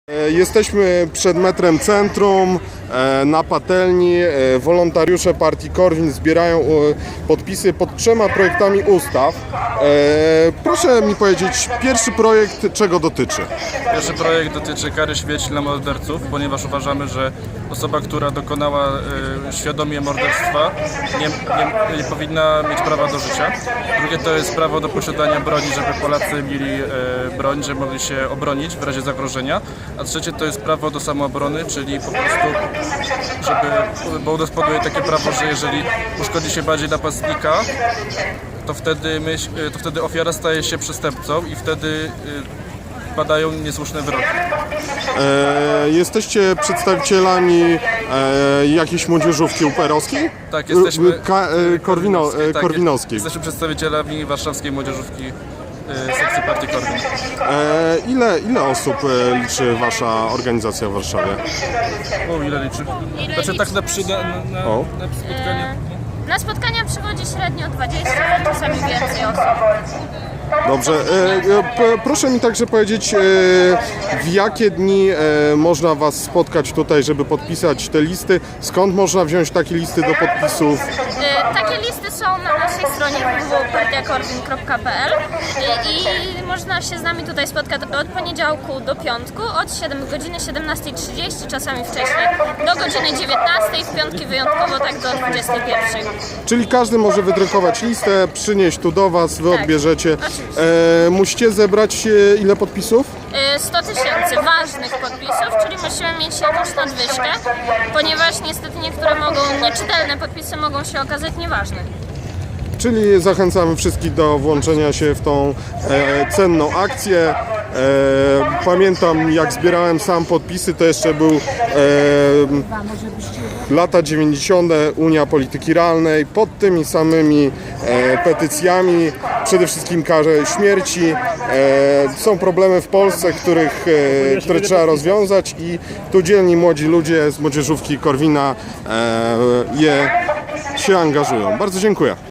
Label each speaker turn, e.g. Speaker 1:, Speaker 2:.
Speaker 1: Jesteśmy przed metrem Centrum, na patelni. Wolontariusze partii Korwin zbierają podpisy pod 3 projektami ustaw. Proszę mi powiedzieć, pierwszy projekt czego dotyczy?
Speaker 2: Pierwszy projekt dotyczy kary śmierci dla morderców, ponieważ uważamy, że osoba, która dokonała świadomie morderstwa nie powinna mieć prawa do życia. Drugie to jest prawo do posiadania broni, żeby Polacy mieli broń, żeby mogli się obronić w razie zagrożenia. A trzecie to jest prawo do samoobrony, czyli po prostu, bo udowodniuje takie prawo, że jeżeli uszkodzi się bardziej napastnika, to wtedy ofiara staje się przestępcą i wtedy padają niesłuszne wyroki.
Speaker 1: Jesteście przedstawicielami jakiejś młodzieżówki UPR-owskiej?
Speaker 2: Tak, jesteśmy
Speaker 1: korwinowskiej.
Speaker 2: Jesteśmy przedstawicielami warszawskiej młodzieżówki sekcji partii Korwin.
Speaker 1: Ile osób liczy wasza organizacja w Warszawie?
Speaker 2: Ile liczy? Znaczy tak na spotkanie.
Speaker 3: Na spotkania przychodzi średnio 20, czasami więcej osób.
Speaker 1: Dobrze, proszę mi także powiedzieć, w jakie dni można was spotkać tutaj, żeby podpisać te listy? Skąd można wziąć takie listy do podpisów?
Speaker 3: Takie listy są na naszej stronie www.partiakorwin.pl i można się z nami tutaj spotkać od poniedziałku do piątku, od 7 godziny 17:30, czasami wcześniej, do godziny 19:00, w piątki wyjątkowo tak do 21:00.
Speaker 1: Czyli każdy może wydrukować listę, przynieść tu do was, wy
Speaker 3: Tak,
Speaker 1: odbierzecie. Musicie zebrać ile podpisów?
Speaker 3: 100 000 ważnych podpisów, czyli musimy mieć jakąś nadwyżkę, ponieważ niestety niektóre nieczytelne podpisy mogą się okazać nieważne.
Speaker 1: Czyli zachęcamy wszystkich do włączenia się w tą cenną akcję. Pamiętam, jak zbierałem sam podpisy, to jeszcze był lata 90. Unia Polityki Realnej. Pod tymi samymi petycjami, przede wszystkim karze śmierci. Są problemy w Polsce, które trzeba rozwiązać i tu dzielni młodzi ludzie z młodzieżówki Korwina się angażują. Bardzo dziękuję.